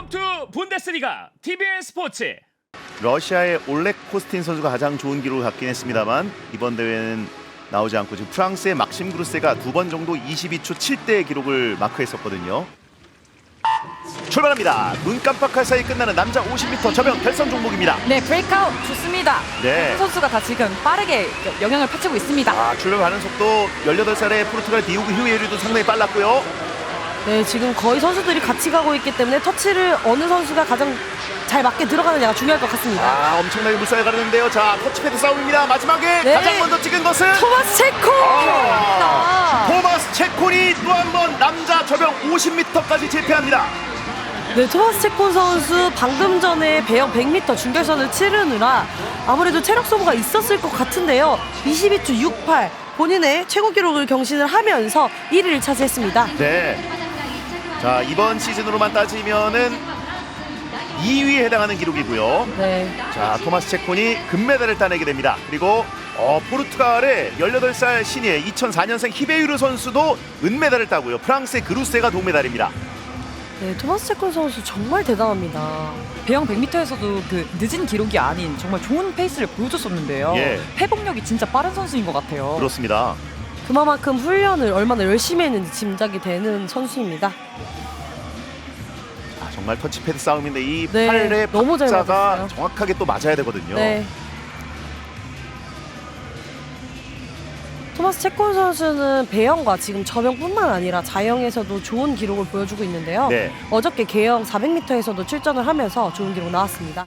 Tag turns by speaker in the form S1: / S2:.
S1: 투 분데스리가 TBN 스포츠.
S2: 러시아의 올렉 코스틴 선수가 가장 좋은 기록을 갖긴 했습니다만 이번 대회는 나오지 않고 지금 프랑스의 막심 그루세가 두 번 정도 22초 7대의 기록을 마크했었거든요. 출발합니다. 눈 깜빡할 사이 끝나는 남자 50m 저병 결선 종목입니다.
S3: 네, 브레이크아웃 좋습니다.
S2: 네.
S3: 두 선수가 다 지금 빠르게 영향을 펼치고 있습니다.
S2: 출발 가는 속도 18살의 포르투갈 디오고 휴에리도 상당히 빨랐고요.
S4: 네, 지금 거의 선수들이 같이 가고 있기 때문에 터치를 어느 선수가 가장 잘 맞게 들어가느냐가 중요할 것 같습니다.
S2: 엄청나게 물살이 가르는데요. 자, 터치패드 싸움입니다. 마지막에
S4: 네.
S2: 가장 먼저 찍은 것은
S4: 토마스 체코!
S2: 토마스 체콘이 또 한 번 남자 저병 50m까지 제패합니다.
S4: 네, 토마스 체코 선수 방금 전에 배영 100m 준결선을 치르느라 아무래도 체력 소모가 있었을 것 같은데요. 22초 68 본인의 최고 기록을 경신을 하면서 1위를 차지했습니다.
S2: 네. 자, 이번 시즌으로만 따지면은 2위에 해당하는 기록이고요.
S4: 네.
S2: 자, 토마스 체콘이 금메달을 따내게 됩니다. 그리고 포르투갈의 18살 신예 2004년생 히베유르 선수도 은메달을 따고요. 프랑스의 그루세가 동메달입니다.
S4: 네, 토마스 체코 선수 정말 대단합니다.
S3: 배영 100m에서도 그 늦은 기록이 아닌 정말 좋은 페이스를 보여줬었는데요.
S2: 예.
S3: 회복력이 진짜 빠른 선수인 것 같아요.
S2: 그렇습니다.
S4: 그만큼 훈련을 얼마나 열심히 했는지 짐작이 되는 선수입니다.
S2: 정말 터치패드 싸움인데 이
S4: 네,
S2: 팔의
S4: 너무 잘
S2: 박자가
S4: 맞았어요.
S2: 정확하게 또 맞아야 되거든요.
S4: 네. 토마스 체콘 선수는 배영과 지금 저병뿐만 아니라 자영에서도 좋은 기록을 보여주고 있는데요.
S2: 네.
S4: 어저께 개영 400m에서도 출전을 하면서 좋은 기록 나왔습니다.